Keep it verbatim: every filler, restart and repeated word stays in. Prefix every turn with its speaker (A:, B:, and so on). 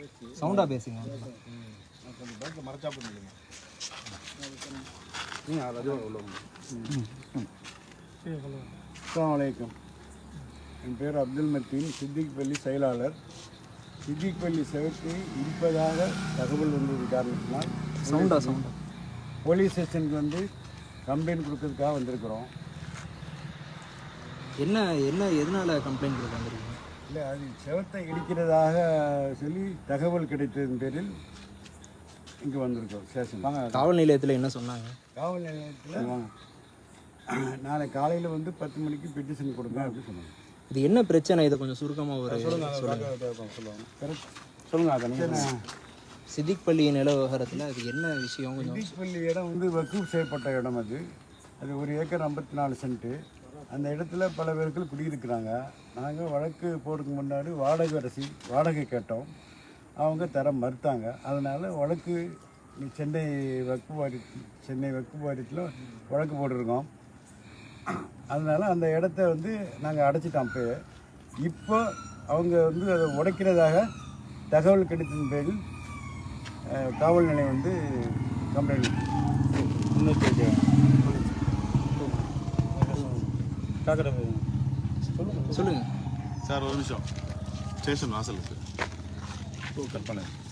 A: சவுண்டாக பேசுங்க.
B: கொஞ்சம் பேங்க்கில் மறைச்சா பண்ணுங்க. நீங்கள் அது உள்ள அஸ்ஸலாமு அலைக்கும். என் பேர் அப்துல் மத்தீன், சித்திக் பள்ளி செயலாளர். சித்திக் பள்ளி செவத்து இருப்பதாக தகவல் வந்தது காரணத்தினால்
A: சவுண்டா சவுண்டா
B: போலீஸ் ஸ்டேஷனுக்கு வந்து கம்ப்ளைண்ட் கொடுக்கறதுக்காக வந்திருக்கிறோம்.
A: என்ன என்ன எதனால் கம்ப்ளைண்ட் கொடுக்க வந்துருக்கீங்க?
B: இல்லை, அது செவத்தை இடிக்கிறதாக சொல்லி தகவல் கிடைத்ததன் பேரில் இங்கே வந்திருக்கோம் ஸ்டேஷன். வாங்க,
A: காவல் நிலையத்தில் என்ன சொன்னாங்க?
B: காவல் நிலையத்தில் வாங்க, நாளை காலையில் வந்து பத்து மணிக்கு பெட்டிஷன் கொடுங்க அப்படின்னு சொன்னாங்க.
A: இது என்ன பிரச்சனை? இதை கொஞ்சம் சுருக்கமாக ஒரு
B: சொல்லுங்கள் சொல்லுவாங்க சொல்லுங்கள் அதை நீங்கள்.
A: சித்திக் பள்ளி நில விவகாரத்தில் அது என்ன விஷயம்? கொஞ்சம்
B: சித்திக் பள்ளி இடம் வந்து வக்கூப் செய்யப்பட்ட இடம். அது அது ஒரு ஏக்கர் ஐம்பத்தி நாலு சென்ட்டு. அந்த இடத்துல பல பேர்கள் குடியிருக்கிறாங்க. நாங்கள் வழக்கு போகிறதுக்கு முன்னாடி வாடகை அரசி வாடகை கேட்டோம். அவங்க தர மறுத்தாங்க. அதனால் வழக்கு சென்னை வக்ஃபு வாரியத்தில் சென்னை வக்ஃபு வாரியத்தில் வழக்கு போட்டிருக்கோம். அதனால் அந்த இடத்த வந்து நாங்கள் அடைச்சிட்டோம். அப்போ இப்போ அவங்க வந்து அதை உடைக்கிறதாக தகவல் கிடைத்ததன் பேரில் காவல் நிலையம் வந்து கம்ப்ளைண்ட் முன்னெச்சரிக்கை
A: சொல்லுங்கள்
C: சார். ஒரு நிமிஷம், ஸ்டேஷன் வாசல் சார்.
B: கற்பனை